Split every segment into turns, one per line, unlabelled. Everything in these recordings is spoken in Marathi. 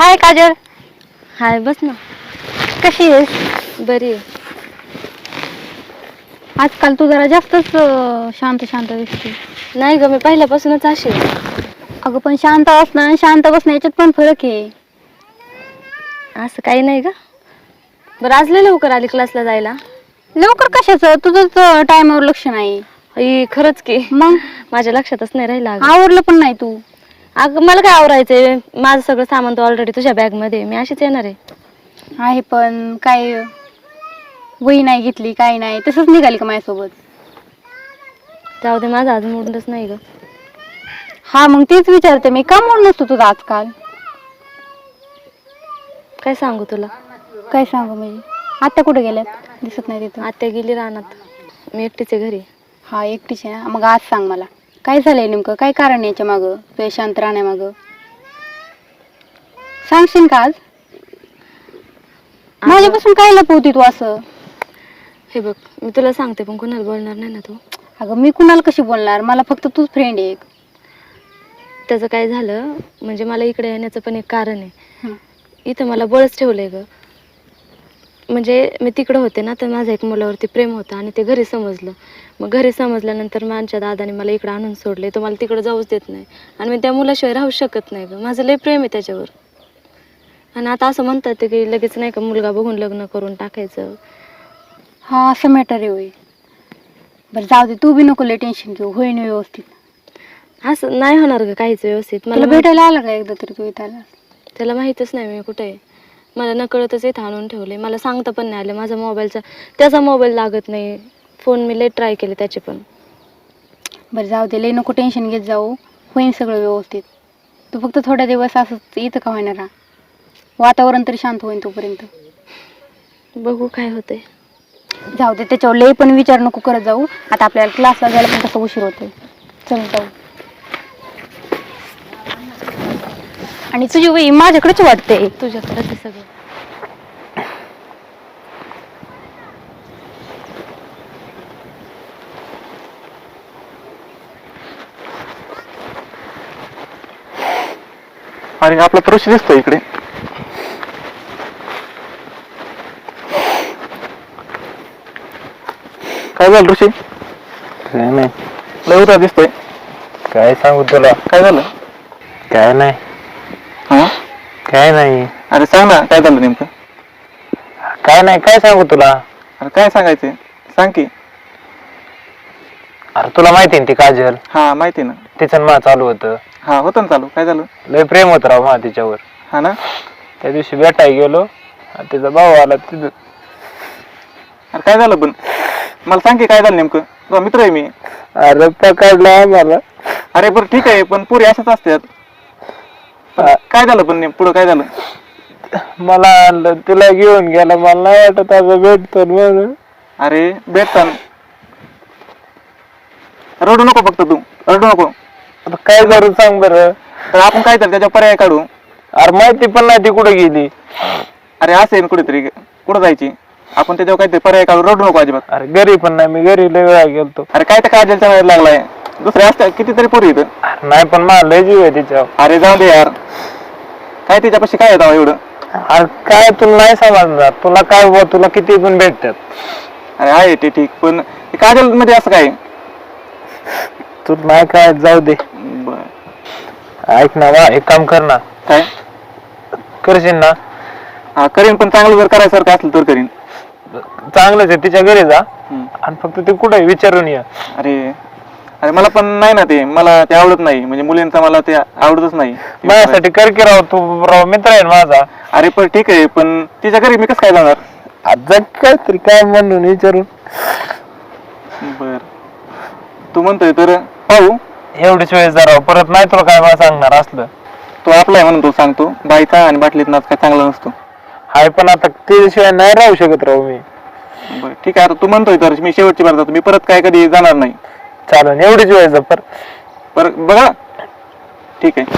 हाय काजल.
हाय, बस ना.
कशी आहेस?
बरी आहे.
आजकाल तू जरा जास्तच शांत शांत दिसते.
नाही ग, मी पहिल्यापासूनच अशी आहे.
अगं पण शांत असणं आणि शांत बसणं याच्यात पण फरक आहे.
असं काही नाही ग. बरं, आज लय लवकर आली क्लासला जायला?
लवकर कशाचं, तुझंच टाइमवर लक्ष नाही.
खरंच की.
मग
माझ्या लक्षातच नाही राहिलं.
आवरलं पण नाही तू.
अगं मला काय आवरायचंय, माझं सगळं सामान तर ऑलरेडी तुझ्या बॅग मध्ये. मी अशीच येणार आहे.
आहे पण काय, वही नाही घेतली, काही नाही, तसंच निघाली का माझ्यासोबत?
जाऊ दे, माझा आज मूडच नाही ग.
हा मग तेच विचारते मी, का मूड नसतो तुझा आजकाल?
काय सांगू तुला?
काय सांगू म्हणजे? आत्या कुठे गेल्यात? दिसत नाही तिथं.
आत्या गेली रानात, मी एकटीच आहे घरी.
हा एकटीच आहे ना? मग आज सांग मला, काय झालंय नेमकं? काय कारण याच्या मागं, तुझ्या शांत राहण्यामागं? सांगशील का आज? माझ्यापासून काय लपवती तू असं?
हे बघ, मी तुला सांगते पण कोणाला बोलणार नाही ना तू?
अगं मी कुणाला कशी बोलणार, मला फक्त तूच फ्रेंड आहे एक.
त्याचं काय झालं म्हणजे, मला इकडे येण्याचं पण एक कारण आहे.
हं.
इथं मला बळच ठेवलंय ग. म्हणजे मी तिकडं होते ना, तर माझं एक मुलावरती प्रेम होतं आणि ते घरी समजलं. मग घरी समजल्यानंतर माझ्या दादाने मला इकडं आणून सोडले. तो मला तिकडं जाऊच देत नाही आणि मी त्या मुलाशिवाय राहू शकत नाही ग. माझं लय प्रेम आहे त्याच्यावर. आणि आता असं म्हणतात ते की लगेच नाही का मुलगा बघून लग्न करून टाकायचं.
हा असं मॅटर आहे होय. बरं जाऊ दे, तू बी नको लय टेन्शन घेऊ, होईन व्यवस्थित.
असं नाही होणार ग काहीच व्यवस्थित.
मला भेटायला आला का एकदा तरी तू इथं आला?
त्याला माहीतच नाही मी कुठे आहे. मला नकळतच इथं आणून ठेवले. मला सांगता पण नाही आलं. माझा मोबाईलचा, त्याचा मोबाईल लागत नाही. फोन मी लय ट्राय केले त्याचे पण.
बरं जाऊ दे, लय नको टेन्शन घेत जाऊ, होईन सगळं व्यवस्थित. तू फक्त थोड्या दिवस असंच इथं का होईना राहा, वातावरण तरी शांत होईन तोपर्यंत.
बघू काय होतंय.
जाऊ दे, त्याच्यावर लय पण विचार नको करत जाऊ. आता आपल्याला क्लासला जायला पण तसं उशीर होतोय. चल जाऊ. आणि तुझी वही माझ्याकडेच वाटते.
तुझ्याकडे ते सगळं.
आणि आपला पुरुष दिसतो इकडे. काय झालं ऋषी?
काय नाही.
लय उतार दिसतोय.
काय सांगू तुला?
काय झालं?
काय नाही.
हा
काय नाही.
अरे सांग ना, काय झालं नेमकं?
काय नाही, काय सांगू तुला?
अरे काय सांगायचंय, सांग की.
अरे तुला माहिती ना ती काजल?
हा माहिती ना.
तिचं मला चालू होतं.
हा होतं ना चालू. काय झालं?
लय प्रेम होत राव मला तिच्यावर.
हा ना.
त्या दिवशी भेटायला गेलो आणि तिचा भाऊ आला तिथं.
अरे काय झालं पण, मला सांग की काय झालं नेमकं. तुझा मित्र आहे मी.
अरे पकडला मला.
अरे बरं ठीक आहे, पण पुरी अशाच असतात. काय झालं पण पुढं काय झालं?
मला आणलं, तुला घेऊन गेला. मला नाही वाटत असं भेटतो म्हणून.
अरे भेटताना रडू नको, फक्त तू रडू नको.
आता काय करू सांग बरं?
तर आपण काय तर त्याच्या पर्याय काढू.
अरे माहिती पण नाही ती कुठे गेली.
अरे असेल कुठेतरी, कुठं जायची आपण, त्याच्यावर काहीतरी पर्याय काढू. रडू नको अजिबात.
अरे घरी पण नाही, मी घरी लय वेळा गेलतो.
अरे काय तर काजलच्या वेळ लागलाय, दुसरे असतात कितीतरी पोरी इथं.
नाही पण मला लय जीव आहे तिच्यावर.
अरे जाऊ दे यार, काय तिच्यापाशी काय येतं एवढं.
अरे काय तुला नाही समजणार. तुला काय बुवा, तुला किती पण भेटतात.
अरे आहे ते ठीक, पण काजल मध्ये असं काय?
तुला नाही काय, जाऊ दे. ऐक ना, वा एक काम कर ना.
काय
करशील ना?
हा करीन, पण चांगलं जर करायसारखं असलं तर करीन.
चांगलंच आहे, तिच्या घरी जा आणि फक्त ते कुठे विचारून ये.
अरे अरे मला पण नाही ना ते, मला ते आवडत नाही. म्हणजे मुलींचा मला ते आवडतच नाही.
माझ्यासाठी कर की राव, तू राव मित्र आहे माझा.
अरे पण ठीक आहे, पण तिच्या घरी मी कसं काय जाणार?
आज काय तरी काय म्हणून विचारून.
बर तू म्हणतोय तर पाहू.
एवढीच वेळेस जरा, परत नाही तुला काय मला सांगणार असलं.
तो आपला आहे म्हणून तो सांगतो. बायका आणि बाटलीत नाच काय चांगला नसतो.
हाय पण आता त्याशिवाय नाही राहू शकत राहू मी.
बरं ठीक आहे, आता तू म्हणतोय तर मी शेवटची बार जातो. मी परत काय कधी जाणार नाही.
चालेल, एवढीच वेळेस
परत बघा. ठीक आहे.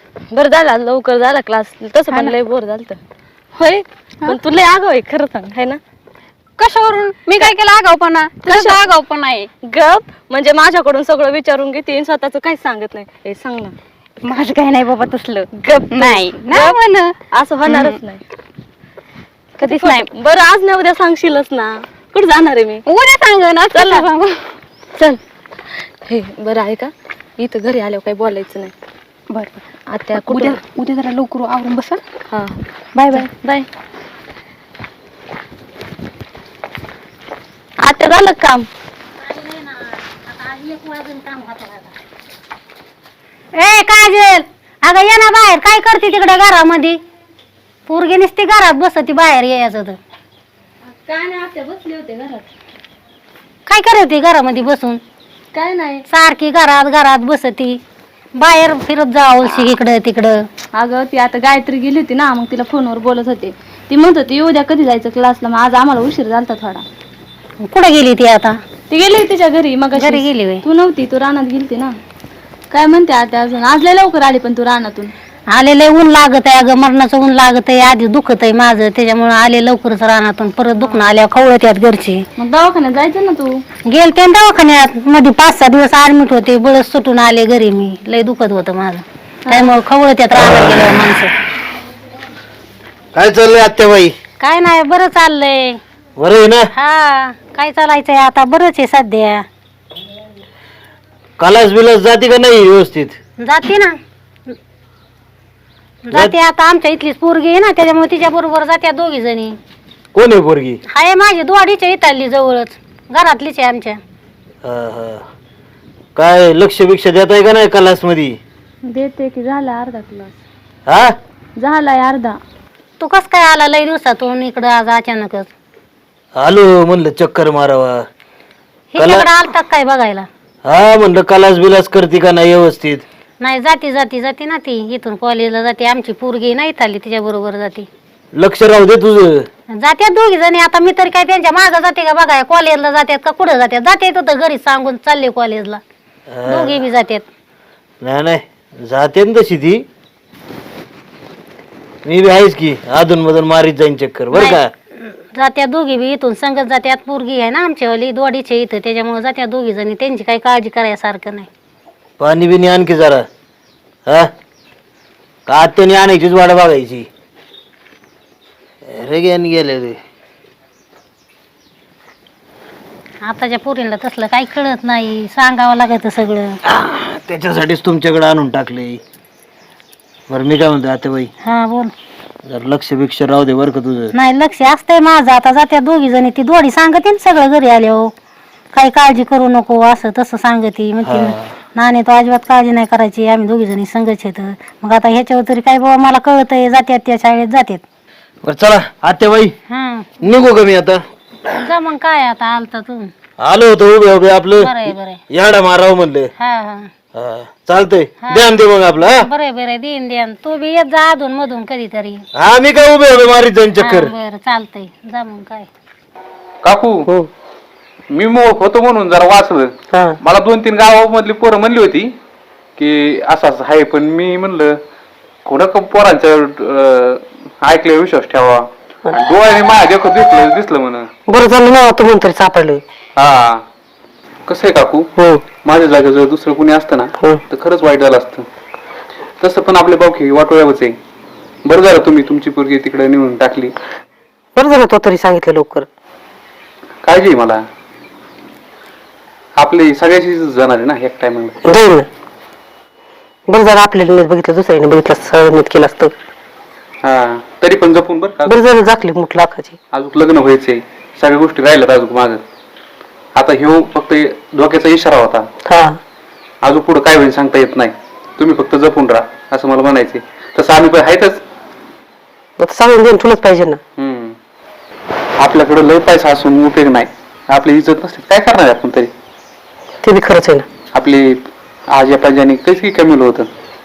बरं झाला लवकर झाला क्लास, तसं पण लय बोर झालं होय. पण तू लय आगाव आहे खरं सांग, है ना?
कशावरून? मी काय केलं आगाऊपणा? कसं आगाऊपणा आहे?
गप म्हणजे माझ्याकडून सगळं विचारून घेते, स्वतःच काहीच सांगत नाही. हे सांग ना.
माझं काही नाही बाबा तसलं.
गप
नाही ना म्हण.
असं होणारच नाही
कधीच नाही.
बरं आज ना उद्या सांगशीलच ना. कुठं जाणार आहे मी?
उद्या सांग ना. चल सांगू.
चल. हे बरं आहे का, इथं घरी आल्यावर काही बोलायचं नाही.
बरं
आता
उद्या उद्या जरा लवकर आवरून बसा.
हा
बाय बाय.
बाय. आता झालं काम?
ए काजल, अगं ये ना बाहेर. काय करते तिकडे घरामध्ये? पोरगी नुसती घरात बसती, बाहेर यायचं तर.
काय नाही, आता बसले होते घरात.
काय करते घरामध्ये बसून?
काय नाही.
सारखी घरात घरात बसती, बाहेर फिरत जावं इकडं तिकडं.
अगं ती आता गायत्री गेली होती ना, मग तिला फोनवर बोलत होते. ती म्हणत होती उद्या कधी जायचं क्लासला. मग आज आम्हाला उशीर झालता थोडा.
कुठं गेली ती आता?
ती गेली तिच्या घरी. मग
घरी गेली होय?
तू नव्हती, तू रानात गेलती ना. काय म्हणते आता अजून? आज लय लवकर आली पण तू रानातून.
आलेलं ऊन लागत आहे अगं, मरणाचं ऊन लागत आहे. आधी दुखत आहे माझं, त्याच्यामुळे आले लवकरच रानातून. परत दुखणं आल्यावर खवळत यात घरची.
मग दवाखान्यात जायचं ना तू.
गेलते ना दवाखान्यात, मध्ये 5-6 दिवस ऍडमिट होते. बळच सुटून आले घरी मी. लय दुखत होतं माझं, त्यामुळे खवळत यात रानात गेल्यावर माणसं.
काय चाललंय आत्याबाई?
काय नाही, बरं चाललंय.
बरं आहे ना?
हा, काय चालायचंय आता? बरंच आहे सध्या.
कालास बिलास जाते का नाही व्यवस्थित?
जाते ना, जाते. आता आमच्या इथलीच पोरगी आहे ना, त्याच्यामुळे तिच्या बरोबर जात्या दोघी जणी.
कोण आहे पोरगी?
हाय माझी दोडीच्या इथली जवळच, घरातलीच आहे आमच्या.
काय लक्ष बिक्ष देत आहे का नाही क्लास मध्ये?
देते की झाला अर्धा क्लास.
हा,
झालाय अर्धा.
तू कस काय आला लय दिवसातून इकडं आज अचानकच?
आलो म्हणलं चक्कर मारावा.
हिच्याकडे आलता काय बघायला?
हा म्हणलं क्लास बिलास करते का नाही व्यवस्थित?
नाही, जाती ना ती. इथून कॉलेजला जाते. आमची पोरगी नाही आली, तिच्या बरोबर जाते.
लक्ष राहू दे तुझं.
जात्या दोघी जणी. आता मी तरी काय त्यांच्या मागं जाते का बघाय? कॉलेजला जातात का कुठं जातात? जाते तर घरी सांगून चालले कॉलेजला. दोघी बी जातात.
नाही जाते ना तशी ती. मी बी आहेच की, अधून मधून मारीत जाईन चक्कर बरं का.
जात्या दोघी बी इथून संगत जात्यात. पोरगी आहे ना आमच्यावाली दोडीच्या इथं, त्याच्यामुळे जात्या दोघी जणी. त्यांची काही काळजी करायसारखं नाही.
पाणी बिनी आणखी जरा. हा, का आत्याने आणायचीच वाट बघायची. रे गेले रे.
आताच्या पोरींना तसलं काही कळत नाही, सांगावं लागत सगळं.
त्याच्यासाठीच तुमच्याकडे आणून टाकले. बरं मी काय म्हणतो आत्याबाई,
हा बोल.
जर लक्ष बिक्ष राहू दे बरं का तुझं.
नाही, लक्ष असतंय माझं. आता जात्या दोघी जणी. ती दोडी सांगते ना सगळं घरी आल्यावर. काही काळजी करू नको असं तसं सांगते. म्हणते नाणे तो अजिबात काळजी नाही करायची, आम्ही दोघी जणी संगच येत. मग आता ह्याच्यावर तरी काय बाबा मला कळतंय. जात्यात त्या शाळेत जातात.
बरं चला आत्याबाई,
हा,
निघू का मी आता?
जा मग. काय आता आलता तू?
आलो होतो उभे उभे आपलं
बरंय बरंय.
याडा मारावं म्हणलं.
हा हा,
चालतंय, ध्यान दे मग आपलं. हा
बरंय बरंय. देईन देईन. तू बी येत जा अधून मधून कधीतरी.
हा, मी काय उभे उभे मारीत जाईन चक्कर.
बरं चालतंय, जा मग. काय
काकू, मी होतो म्हणून जरा वाचलं. मला 2-3 गावामधली पोरं म्हणली होती की असं असं आहे, पण मी म्हणलं कोणा पोरांच्या ऐकले विश्वास ठेवा. डोळ्याने माझ्या देखत दिसलं म्हणा.
बरं झालं ना तू म्हणतरी सापडलं.
हा, कसं आहे काकू, माझ्या जागेवर जर दुसरं कोणी असतं ना तर खरंच वाईट झालं असतं. तसं पण आपले बावकी वाटोळ्यावरच आहे. बरं झालं तुम्ही तुमची पोरगी तिकडे नेऊन टाकली.
बरं झालं तो तरी सांगितलं लवकर.
काळजी आहे मला. आपली सगळ्याची जाणार आहे ना एक टायमाला.
जाईल ना. बरं झालं आपल्याला नीट बघितलं, दुसऱ्याने बघितलं सरळ नीट केलं असतं.
हा, तरी पण जपून बरं का.
बरं झालं जाकली मुठ लाखाची.
अजून लग्न व्हायचंय, सगळ्या गोष्टी राहिल्यात अजून माग. आता ह्यो फक्त धोक्याचा इशारा होता.
हा,
अजून पुढे काय होईल सांगता येत नाही. तुम्ही फक्त जपून राहा असं मला म्हणायचंय. तसं आम्ही पण आहेतच.
सांगून देऊन तुलाच पाहिजे ना.
आपल्याकडे लय पैसा असून उपयोग नाही. आपली इज्जत नसते काय करणार आपण तरी.
ते बी खरंच आहे ना.
आपली आज या पंजाने काही कमी होतं.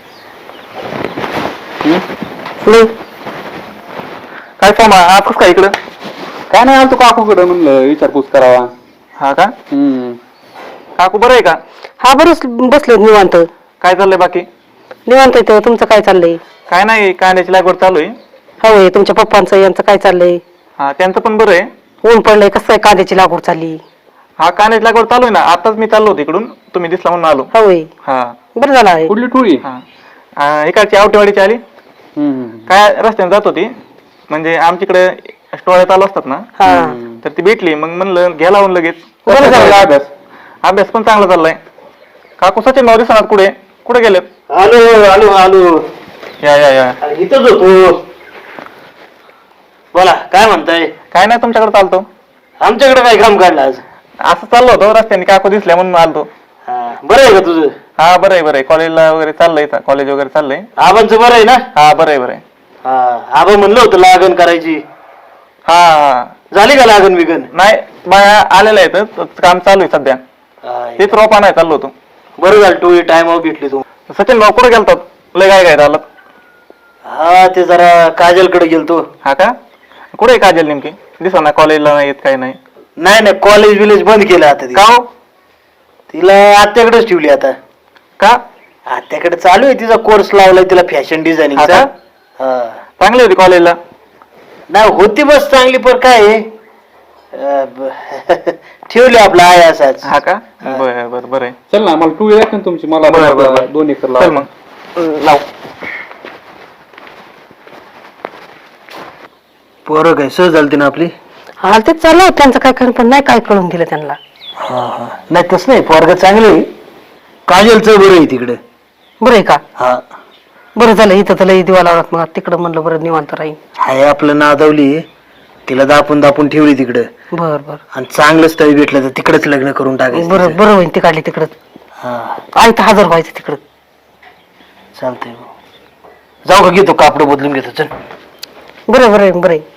काय काम आपूस का इकडं? काय नाही आलतो काकूकडं, म्हणलं विचारपूस करावा. हा का? काकू बरं आहे का?
हा, बरंच बसले निवांत.
काय चाललंय बाकी?
निवांत येतो. तुमचं काय चाललंय?
काय नाही, कांद्याची लागवड चालू आहे.
होय, तुमच्या पप्पांचं यांचं काय चाललंय?
हा, त्यांचं पण बरं आहे.
ऊन पडलंय, कसं काय कांद्याची लागवड चालली?
हा, कांद्याची लागवड चालू आहे ना. आताच मी चाललो होतो इकडून, तुम्ही दिसला म्हणून आलो.
होय,
हा
बरं झालं आहे.
कुठली टोळी?
हा, इकडची आवटेवाडीची आली. काय रस्त्याने जात होती, म्हणजे आमच्याकडे स्टोळ्या चालू असतात ना,
हा,
तर ती भेटली. मग म्हणलं घ्या लावून लगेच.
बरं झालं.
अभ्यास अभ्यास पण चांगला चाललाय. काकू सचिन भाऊ दिसणार कुठे गेलेत?
आलो आलो आलो,
या या या.
इथंच होतो. बोला, काय म्हणताय?
काय नाही, तुमच्याकडे चालतो.
आमच्याकडे काय काम काढलं आज?
असं चाललो होतो रस्त्याने, काकू दिसल्या म्हणून आलतो.
बरं आहे का तुझं?
हा, बरं आहे. कॉलेजला वगैरे चाललंय, कॉलेज वगैरे चाललंय.
आबांचं बरं आहे ना?
हा, बरं आहे.
आबा म्हणलं होतं लागण करायची.
हा,
झाली का लागण बिगन?
नाही बाया आलेल्या आहेत, काम चालू आहे सध्या. तेच रोपा नाही चाललो होतो.
बरं झालं टोळी टायमावर भेटली तू.
सचिन भाऊ कुठे गेलतात? लय काय झालं?
हा, ते जरा काजलकडे गेलतो.
हा का? कुठे आहे काजल नेमकी? दिसा ना, कॉलेजला नाही येत, काही नाही.
नाही कॉलेज विलेज बंद केलं आता.
का हो?
तिला आत्याकडेच ठेवली आता.
का?
आत्याकडे चालू आहे तिचा कोर्स लावलाय तिला फॅशन डिझायनिंगचा.
चांगली होती कॉलेजला?
नाही होती बस चांगली, पण काय आहे, ठेवली आपला आहे असाच.
हा का? बरं आहे.
चल ना, मला टोळी दाखव ना तुमची. मला
बरं.
2 एकर
चल
लावा.
मग लाव.
पोरं काय सहज झालती ना आपली.
हा, तेच चाललं होतं त्यांचं काय करून, पण नाही काय कळून दिलं त्यांना.
नाही तसं नाही, पोरग चांगलं आहे. काजलचं बरं आहे तिकडे.
बरं आहे का?
हा,
बरं झालं, इथं तर लई दिवा लावणार, मग तिकडं म्हणलं बरं निवांत राहील.
हाय आपलं नादवली, तिला दापून ठेवली तिकडं.
बरं बरं
आणि चांगलं स्थळ भेटलं तर तिकडेच लग्न करून टाकायचं.
बरं बरं होईल, ते काढली तिकडं.
हा,
आई तर हजर व्हायचं तिकडं.
चालतंय. जाऊ का, घेतो कापड बदलून घेतो. चल.
बरं आहे.